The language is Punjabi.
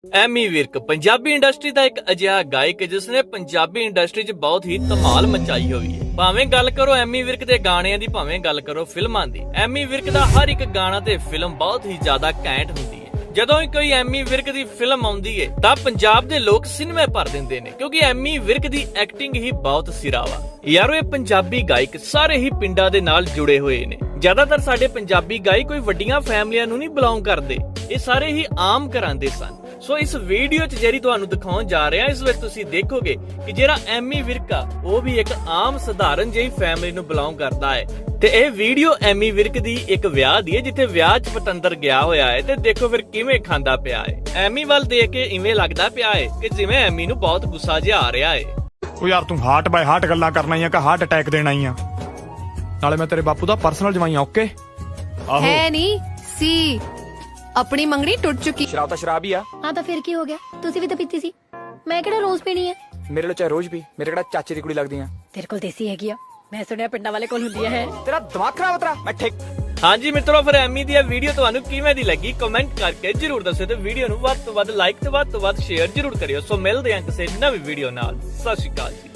ਐਮੀ ਵਿਰਕ ਪੰਜਾਬੀ ਇੰਡਸਟਰੀ ਦਾ ਇੱਕ ਅਜਿਹਾ ਗਾਇਕ ਜਿਸ ਨੇ ਪੰਜਾਬੀ ਇੰਡਸਟਰੀ 'ਚ ਬਹੁਤ ਹੀ ਧਮਾਲ ਮਚਾਈ ਹੋਈ ਹੈ। ਭਾਵੇਂ ਗੱਲ ਕਰੋ ਐਮੀ ਵਿਰਕ ਦੇ ਗਾਣਿਆਂ ਦੀ, ਭਾਵੇਂ ਗੱਲ ਕਰੋ ਫਿਲਮਾਂ ਦੀ, ਐਮੀ ਵਿਰਕ ਦਾ ਹਰ ਇੱਕ ਗਾਣਾ ਤੇ ਫਿਲਮ ਬਹੁਤ ਹੀ ਜ਼ਿਆਦਾ ਘੈਂਟ ਹੁੰਦੀ ਹੈ। ਜਦੋਂ ਹੀ ਕੋਈ ਐਮੀ ਵਿਰਕ ਦੀ ਫਿਲਮ ਆਉਂਦੀ ਹੈ ਤਾਂ ਪੰਜਾਬ ਦੇ ਲੋਕ ਸਿਨੇਮੇ ਭਰ ਦਿੰਦੇ ਨੇ, ਕਿਉਂਕਿ ਐਮੀ ਵਿਰਕ ਦੀ ਐਕਟਿੰਗ ਹੀ ਬਹੁਤ ਸਿਰਾ ਵਾ। ਯਾਰੋ ਇਹ ਪੰਜਾਬੀ ਗਾਇਕ ਸਾਰੇ ਹੀ ਪਿੰਡਾਂ ਦੇ ਨਾਲ ਜੁੜੇ ਹੋਏ ਨੇ। ਜ਼ਿਆਦਾਤਰ ਸਾਡੇ ਪੰਜਾਬੀ ਗਾਇਕ ਕੋਈ ਵੱਡੀਆਂ ਫੈਮਲੀਆਂ ਨੂੰ ਨਹੀਂ ਬਿਲੋਂਗ ਕਰਦੇ, ਇਹ ਸਾਰੇ ਹੀ ਆਮ ਘਰਾਂ ਦੇ ਸਨ। ਸੋ ਇਸ ਵੀਡੀਓ 'ਚ ਜਿਹੜੀ ਤੁਹਾਨੂੰ ਦਿਖਾਉਣ ਜਾ ਰਿਹਾ, ਇਸ ਵਿੱਚ ਤੁਸੀਂ ਦੇਖੋਗੇ ਕਿ ਜਿਹੜਾ ਐਮੀ ਵਿਰਕ ਆ ਉਹ ਵੀ ਇੱਕ ਆਮ ਸਧਾਰਨ ਜਿਹੀ ਫੈਮਿਲੀ ਨੂੰ ਬਿਲੋਂਗ ਕਰਦਾ ਹੈ। ਤੇ ਇਹ ਵੀਡੀਓ ਐਮੀ ਵਿਰਕ ਦੀ ਇੱਕ ਵਿਆਹ ਦੀ ਹੈ, ਜਿੱਥੇ ਵਿਆਹ 'ਚ ਪਤੰਦਰ ਗਿਆ ਹੋਇਆ ਹੈ ਤੇ ਦੇਖੋ ਫਿਰ ਕਿਵੇਂ ਖਾਂਦਾ ਪਿਆ ਹੈ। ਐਮੀ ਵੱਲ ਦੇਖ ਕੇ ਇਵੇਂ ਲੱਗਦਾ ਪਿਆ ਹੈ ਕਿ ਜਿਵੇਂ ਐਮੀ ਨੂੰ ਬਹੁਤ ਗੁੱਸਾ ਜਿਹਾ ਆ ਰਿਹਾ ਹੈ। ਉਹ ਯਾਰ ਤੂੰ ਹਾਰਟ ਬਾਈ ਹਾਰਟ ਗੱਲਾਂ ਕਰਨਾ ਹੀ ਆ ਕਿ ਹਾਰਟ ਅਟੈਕ ਦੇਣਾ ਹੀ ਆ? ਨਾਲੇ ਮੈਂ ਤੇਰੇ ਬਾਪੂ ਦਾ ਪਰਸਨਲ ਜਵਾਈ ਆ। ਓਕੇ ਆਹੋ ਹੈ ਨਹੀਂ ਸੀ, ਆਪਣੀ ਮੰਗਣੀ ਟੁੱਟ ਚੁੱਕੀ। ਸ਼ਰਾਬ ਤਾਂ ਸ਼ਰਾਬ ਹੀ ਆ। ਹਾਂ ਤਾਂ ਫਿਰ ਕੀ ਹੋ ਗਿਆ, ਤੁਸੀਂ ਵੀ ਤਾਂ ਪੀਤੀ ਸੀ, ਮੈਂ ਕਿਹੜਾ ਰੋਜ਼ ਪੀਣੀ ਹੈ। ਮੇਰੇ ਲਈ ਚਾਹੇ ਰੋਜ਼ ਵੀ, ਮੇਰੇ ਕਿਹੜਾ ਚਾਚੇ ਦੀ ਕੁੜੀ ਲੱਗਦੀ ਆ। ਤੇਰੇ ਕੋਲ ਦੇਸੀ ਹੈਗੀ ਆ, ਮੈਂ ਸੁਣਿਆ ਪਿੰਡਾਂ ਵਾਲੇ ਕੋਲ ਹੁੰਦੀ ਹੈ। ਤੇਰਾ ਦਿਮਾਗ ਖਰਾਬ ਤੇਰਾ। ਮੈਂ ਠੀਕ। ਹਾਂਜੀ ਮਿੱਤਰੋ, ਫਿਰ ਐਮੀ ਦੀ ਇਹ ਵੀਡੀਓ ਤੁਹਾਨੂੰ ਕਿਵੇਂ ਦੀ ਲੱਗੀ ਕਮੈਂਟ ਕਰਕੇ ਜਰੂਰ ਦੱਸਿਓ ਤੇ ਵੀਡੀਓ ਨੂੰ ਵੱਧ ਤੋਂ ਵੱਧ ਲਾਈਕ ਤੇ ਵੱਧ ਤੋਂ ਵੱਧ ਸ਼ੇਅਰ ਜਰੂਰ ਕਰਿਓ। ਸੋ ਮਿਲਦੇ ਹਾਂ ਕਿਸੇ ਨਵੀਂ ਵੀਡੀਓ ਨਾਲ। ਸਤਿ ਸ਼੍ਰੀ ਅਕਾਲ ਜੀ।